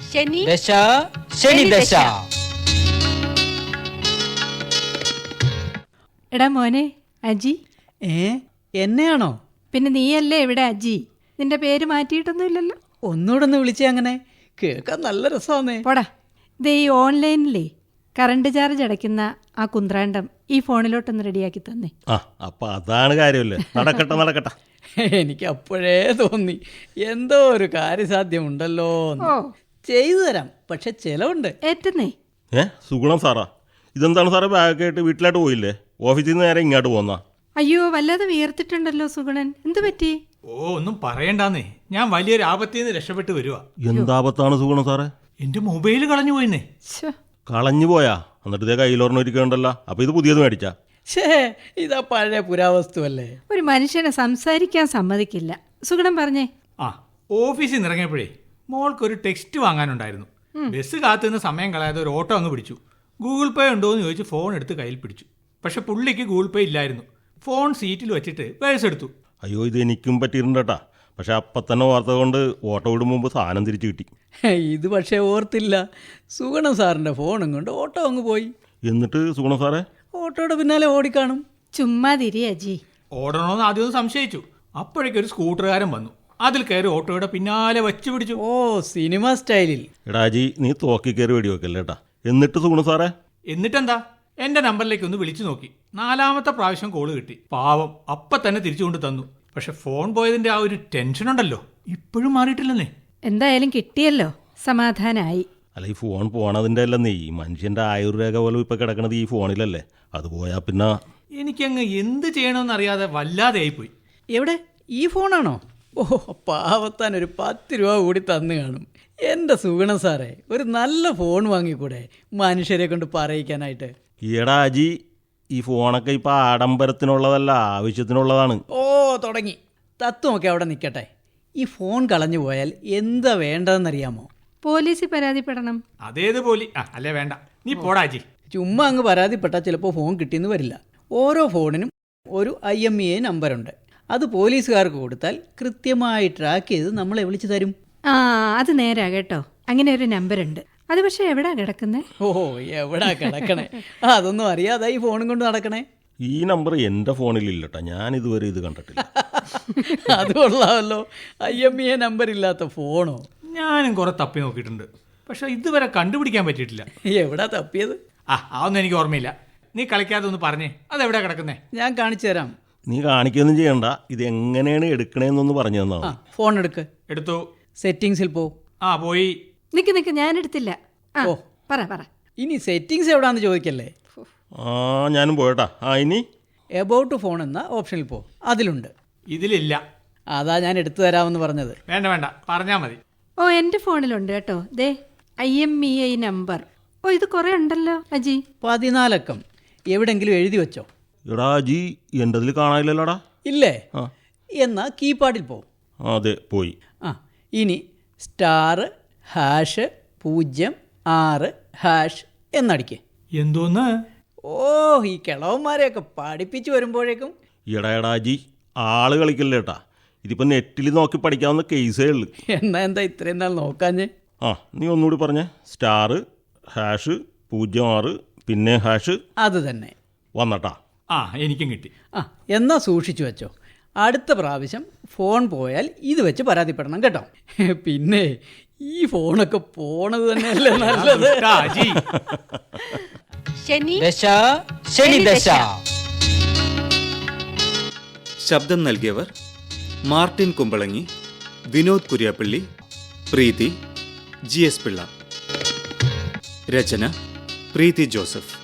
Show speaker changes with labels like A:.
A: ശനി
B: ദശ ശനി ദശ.
A: എടാ മോനെ അജി.
C: എന്നെയാണോ?
A: പിന്നെ നീയല്ലേ ഇവിടെ അജി? നിന്റെ പേര് മാറ്റിയിട്ടൊന്നുമില്ലല്ലോ.
C: ഒന്നുകൂടെ ഒന്ന് വിളിച്ചേ. അങ്ങനെ കേൾക്കാൻ നല്ല രസമാന്നേ.
A: പോടാ. ഇത് ഈ ഓൺലൈനിലേ കറണ്ട് ചാർജ് അടയ്ക്കുന്ന ആ കുന്ത്രാണ്ടം ഈ ഫോണിലോട്ടൊന്ന് റെഡിയാക്കി തന്നെ.
D: അപ്പൊ അതാണ് കാര്യമല്ലേ. നടക്കട്ടെ നടക്കട്ടെ.
C: എനിക്ക് അപ്പോഴേ തോന്നി എന്തോ ഒരു കാര്യസാധ്യമുണ്ടല്ലോ.
A: ഓ
C: ചെയ്തു തരാം, പക്ഷെ ചെലവുണ്ട്.
A: ഏറ്റന്നേ.
D: സുഗുണം സാറാ, ഇതെന്താണ് സാറേ ബാഗൊക്കെ ആയിട്ട് വീട്ടിലായിട്ട് പോയില്ലേ? ഓഫീസിൽ നിന്ന് നേരെ ഇങ്ങോട്ട് പോന്നാ?
A: അയ്യോ വല്ലാതെ വിയർത്തിട്ടുണ്ടല്ലോ സുഗുണൻ. എന്തു പറ്റി?
E: ഒന്നും പറയണ്ടാന്നേ, ഞാൻ വലിയൊരു ആപത്തിൽ നിന്ന് രക്ഷപ്പെട്ട് വരുവാ.
D: എന്താപത്താണ് സുഗുണം സാറേ?
E: എന്റെ മൊബൈൽ കളഞ്ഞു പോയിന്നേ.
D: കളഞ്ഞു പോയാ? എന്നിട്ട് ഇതേ കയ്യിലോർന്നിരിക്കണ്ടല്ലോ. അപ്പൊ ഇത് പുതിയത് മേടിച്ചാ?
C: ഇതാ പഴയ പുരാവസ്തുവല്ലേ.
A: ഒരു മനുഷ്യനെ സംസാരിക്കാൻ സമ്മതിക്കില്ല. സുഗുണം പറഞ്ഞേ.
E: ഓഫീസിൽ നിന്ന് ഇറങ്ങിയപ്പോഴേ മോൾക്കൊരു ടെക്സ്റ്റ് വാങ്ങാനുണ്ടായിരുന്നു. ബസ് കാത്തുനിന്ന് സമയം കളയാതെ ഒരു ഓട്ടോ അങ്ങ് പിടിച്ചു. ഗൂഗിൾ പേ ഉണ്ടോ എന്ന് ചോദിച്ച് ഫോൺ എടുത്ത് കയ്യിൽ പിടിച്ചു. പക്ഷെ പുള്ളിക്ക് ഗൂഗിൾ പേ ഇല്ലായിരുന്നു. ഫോൺ സീറ്റിൽ വെച്ചിട്ട് പേഴ്സ് എടുത്തു.
D: അയ്യോ, ഇത് എനിക്കും പറ്റിയിട്ടുണ്ടേട്ടാ. പക്ഷെ അപ്പം തന്നെ ഓർത്ത കൊണ്ട് ഓട്ടോ വിടും മുമ്പ് സാധനം തിരിച്ചു കിട്ടി.
C: ഇത് പക്ഷേ ഓർത്തില്ല. സുഗുണം സാറിന്റെ ഫോണും കൊണ്ട് ഓട്ടോ അങ്ങ് പോയി.
D: എന്നിട്ട് സുഗുണം സാറേ
C: ഓട്ടോയുടെ പിന്നാലെ ഓടിക്കാണും.
A: ചുമ്മാ തിരി അജി.
E: ഓടണമെന്ന് ആദ്യം ഒന്ന് സംശയിച്ചു. അപ്പോഴേക്കൊരു സ്കൂട്ടറുകാരൻ വന്നു. അതിൽ കയറി ഓട്ടോയുടെ പിന്നാലെ വച്ചു പിടിച്ചു.
C: ഓ, സിനിമ സ്റ്റൈലിൽ.
D: എടാജി, നീ തോക്കി കയറി വെടി വെക്കല്ലേട്ടാ. എന്നിട്ട് സുഗുണം സാറേ?
E: എന്നിട്ടെന്താ, എന്റെ നമ്പറിലേക്ക് ഒന്ന് വിളിച്ചു നോക്കി. 4ാമത്തെ പ്രാവശ്യം കോള് കിട്ടി. പാവം അപ്പം തന്നെ തിരിച്ചുകൊണ്ട് തന്നു. പക്ഷെ ഫോൺ പോയതിന്റെ ആ ഒരു ടെൻഷൻ ഉണ്ടല്ലോ, ഇപ്പോഴും മാറിയിട്ടില്ലെന്നേ.
A: എന്തായാലും കിട്ടിയല്ലോ, സമാധാനായി.
D: അല്ല, ഈ ഫോൺ പോണതിൻ്റെ അല്ലെന്നേ, ഈ മനുഷ്യൻ്റെ ആയുർരേഖ പോലും ഇപ്പം കിടക്കണത് ഈ ഫോണിലല്ലേ. അത് പോയാൽ പിന്നെ
E: എനിക്കങ്ങ് എന്ത് ചെയ്യണമെന്ന് അറിയാതെ വല്ലാതെ ആയിപ്പോയി.
C: എവിടെ? ഈ ഫോണാണോ? ഓ, പാവത്താൻ ഒരു 10 രൂപ കൂടി തന്നു കാണും. എൻ്റെ സുഗുണം സാറേ, ഒരു നല്ല ഫോൺ വാങ്ങിക്കൂടെ മനുഷ്യരെ കൊണ്ട് പറയിക്കാനായിട്ട്?
D: ഈടാ അജി, ഈ ഫോണൊക്കെ ഇപ്പം ആഡംബരത്തിനുള്ളതല്ല, ആവശ്യത്തിനുള്ളതാണ്.
C: ഓ, തുടങ്ങി. തത്വമൊക്കെ അവിടെ നിൽക്കട്ടെ. ഈ ഫോൺ കളഞ്ഞു പോയാൽ എന്താ വേണ്ടതെന്നറിയാമോ?
A: പോലീസിൽ പരാതിപ്പെടണം.
E: അതേത് പോലി അല്ലേ? വേണ്ട, നീ പോടാജി.
C: ചുമ്മാ അങ്ങ് പരാതിപ്പെട്ടാൽ ചിലപ്പോൾ ഫോൺ കിട്ടിയെന്ന് വരില്ല. ഓരോ ഫോണിനും ഒരു IMEI നമ്പറുണ്ട്. അത് പോലീസുകാർക്ക് കൊടുത്താൽ കൃത്യമായി ട്രാക്ക് ചെയ്ത് നമ്മളെ വിളിച്ചു തരും.
A: അത് നേരാ കേട്ടോ. അങ്ങനെ ഒരു നമ്പറുണ്ട്. അത് പക്ഷെ എവിടാ കിടക്കുന്നേ?
C: ഓ, എവിടാ കിടക്കണേ? അതൊന്നും അറിയാതെ ഈ ഫോണും കൊണ്ട് നടക്കണേ.
D: ഈ നമ്പർ എൻ്റെ ഫോണിലില്ലട്ടോ, ഞാൻ ഇതുവരെ ഇത് കണ്ടിട്ടില്ല.
C: അത് കൊള്ളാമല്ലോ, IMEI നമ്പർ ഇല്ലാത്ത ഫോണോ?
E: ഞാനും കുറെ തപ്പി നോക്കിയിട്ടുണ്ട്, പക്ഷെ ഇതുവരെ കണ്ടുപിടിക്കാൻ പറ്റിയിട്ടില്ല.
C: എവിടാ തപ്പിയത്?
E: അതൊന്നും എനിക്ക് ഓർമ്മയില്ല. നീ കളിക്കാതെ ഒന്ന് പറഞ്ഞേ, അതെവിടെയാ കിടക്കുന്നേ?
C: ഞാൻ കാണിച്ചു തരാം.
D: നീ കാണിക്കൊന്നും ചെയ്യണ്ട, ഇത് എങ്ങനെയാണ് എടുക്കണേന്നൊന്ന് പറഞ്ഞു തന്നാ മതി.
C: ഫോൺ എടുക്ക്.
E: എടുത്തു.
C: സെറ്റിങ്സിൽ പോ.
E: പോയി.
A: നിക്ക് ഞാൻ എടുത്തില്ല.
C: ഓ,
A: പറ.
C: ഇനി സെറ്റിങ്സ് എവിടാന്ന് ചോദിക്കല്ലേ.
D: ഞാനും പോയട്ടാ. ഇനി
C: എബൌട്ട് ഫോൺ എന്ന ഓപ്ഷനിൽ പോ. അതിലുണ്ട്.
E: ഇതിലില്ല.
C: അതാ ഞാൻ എടുത്തു തരാമെന്ന് പറഞ്ഞത്.
E: വേണ്ട, പറഞ്ഞാ മതി.
A: എൻ്റെ ഫോണിലുണ്ട് കേട്ടോ. ദേ IMEI നമ്പർ. ഇത് കുറെ ഉണ്ടല്ലോ അജി.
C: 14 അക്കം. എവിടെങ്കിലും എഴുതി വെച്ചോ?
D: എടാ അജി, എൻ്റെ അതിൽ കാണാനില്ലല്ലോടാ.
C: ഇല്ലേ? എന്നാ കീപാഡിൽ പോ.
D: അതെ, പോയി.
C: ഇനി *006# എന്നടിക്കേ.
E: എന്തോന്ന്?
C: ഓ, ഈ കിളവന്മാരെയൊക്കെ പഠിപ്പിച്ചു വരുമ്പോഴേക്കും.
D: എടാ അജി, ആള് കളിക്കല്ലേട്ടാ. ഇതിപ്പോൾ നെറ്റിൽ നോക്കി പഠിക്കാവുന്ന കേസേ ഉള്ളു.
C: എന്താ ഇത്രയും നാൾ നോക്കാഞ്ഞേ?
D: നീ ഒന്നുകൂടി പറഞ്ഞേ. *#06 പിന്നെ
C: അത് തന്നെ
D: വന്നട്ടാ.
E: എനിക്കും കിട്ടി.
C: എന്നാ സൂക്ഷിച്ചു വെച്ചോ. അടുത്ത പ്രാവശ്യം ഫോൺ പോയാൽ ഇത് വെച്ച് പരാതിപ്പെടണം കേട്ടോ. പിന്നെ ഈ ഫോണൊക്കെ പോണത് തന്നെയല്ലേ നല്ലത്.
A: ശനി
B: ദശ ശനി ദശ.
F: ശബ്ദം നൽകിയവർ മാർട്ടിൻ കുമ്പളങ്ങി, വിനോദ് കുര്യാപ്പള്ളി, പ്രീതി, GS പിള്ള. രചന പ്രീതി ജോസഫ്.